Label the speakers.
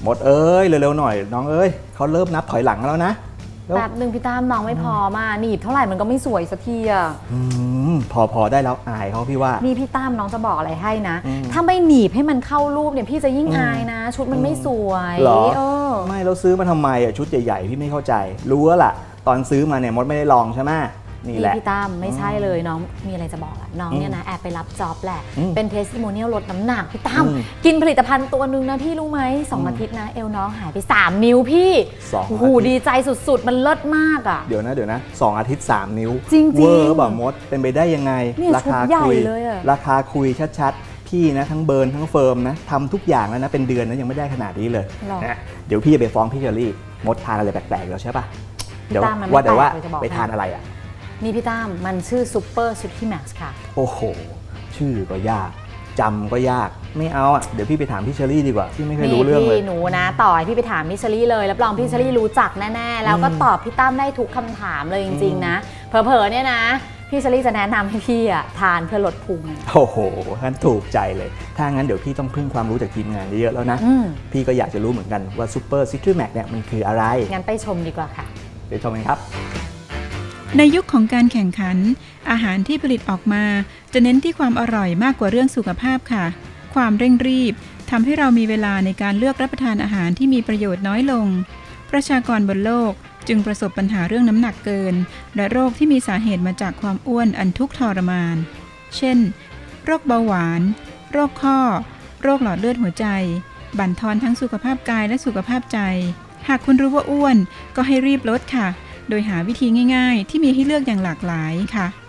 Speaker 1: หมดเอ้ยเร็วๆหน่อยน้องเอ้ยเขาเริ่มนับถอยหลังแล้วนะ
Speaker 2: แป๊บหนึ่งพี่ตั้มน้องไม่พอมาหนีบเท่าไหร่มันก็ไม่สวยสักทีอ่ะ
Speaker 1: พอได้แล้วอายเขาพี่ว่า
Speaker 2: นี่พี่ตั้มน้องจะบอกอะไรให้นะถ้าไม่หนีบให้มันเข้ารูปเนี่ยพี่จะยิ่งอายนะชุดมันไม่สวย
Speaker 1: หรอไม่เราซื้อมาทำไมอ่ะชุดใหญ่ๆพี่ไม่เข้าใจรู้แล้วล่ะตอนซื้อมาเนี่ยมดไม่ได้ลองใช่ไหมนี่แหละ
Speaker 2: พี่ตั้มไม่ใช่เลยน้องมีอะไรจะบอกอะน้องเนี่ยนะแอบไปรับจ็อบแหละเป็นเทสติโมเนียลลดน้ำหนักพี่ตั้มกินผลิตภัณฑ์ตัวนึงนะพี่รู้ไหม2 อาทิตย์นะเอวน้องหายไป3 นิ้วพี่โอ้โหดีใจสุดๆมันเลิศมากอะ
Speaker 1: เดี๋ยวนะ2 อาทิตย์3 นิ้ว
Speaker 2: จริงๆ
Speaker 1: เวอร์แบบมดเป็นไปได้ยังไง
Speaker 2: ราคาคุย
Speaker 1: ราคาคุยชัดๆพี่นะทั้งเบิร์นทั้งเฟิร์มนะทำทุกอย่างแล้วนะเป็นเดือนนะยังไม่ได้ขนาดนี้เลยนะเดี๋ยวพี่จะไปฟ้องพี่เชอรี่มดทานอะไรแปลกๆแล้วใช่ปะเดี๋ยวว่าไปทานอะไรอ่ะ
Speaker 2: นี่พี่ตั้มมันชื่อซูเปอร์ซูชิแม็กซ์ค่ะ
Speaker 1: โอ้โหชื่อก็ยากจำก็ยากไม่เอาอ่ะเดี๋ยวพี่ไปถามพี่เชอรี่ดีกว่าพี่ไม่เคยรู้เรื่องเลย
Speaker 2: พี่หนูนะต่อให้พี่ไปถามพี่เชอรี่เลยรับรองพี่เชอรี่รู้จักแน่ๆแล้วก็ตอบพี่ตั้มได้ทุกคำถามเลยจริงๆนะเผลอๆเนี่ยนะพี่เชอรี่จะแนะนำให้พี่อ่ะทานเพื่อลดพุง
Speaker 1: โอ้โหงั้นถูกใจเลยถ้างั้นเดี๋ยวพี่ต้องพึ่งความรู้จากทีมงานเยอะๆแล้วนะพี่ก็อยากจะรู้เหมือนกันว่าซูเปอร์ซิตรีแม็กเนี่ยมันคืออะไร
Speaker 2: งั้นไปชมดีกว่าค่ะ
Speaker 1: ไปชมกันครับ
Speaker 3: ในยุคของการแข่งขันอาหารที่ผลิตออกมาจะเน้นที่ความอร่อยมากกว่าเรื่องสุขภาพค่ะความเร่งรีบทำให้เรามีเวลาในการเลือกรับประทานอาหารที่มีประโยชน์น้อยลงประชากรบนโลกจึงประสบปัญหาเรื่องน้ำหนักเกินและโรคที่มีสาเหตุมาจากความอ้วนอันทุกข์ทรมานเช่นโรคเบาหวานโรคข้อโรคหลอดเลือดหัวใจบั่นทอนทั้งสุขภาพกายและสุขภาพใจหากคุณรู้ว่าอ้วนก็ให้รีบลดค่ะโดยหาวิธีง่ายๆที่มีให้เลือกอย่างหลากหลายค่ะ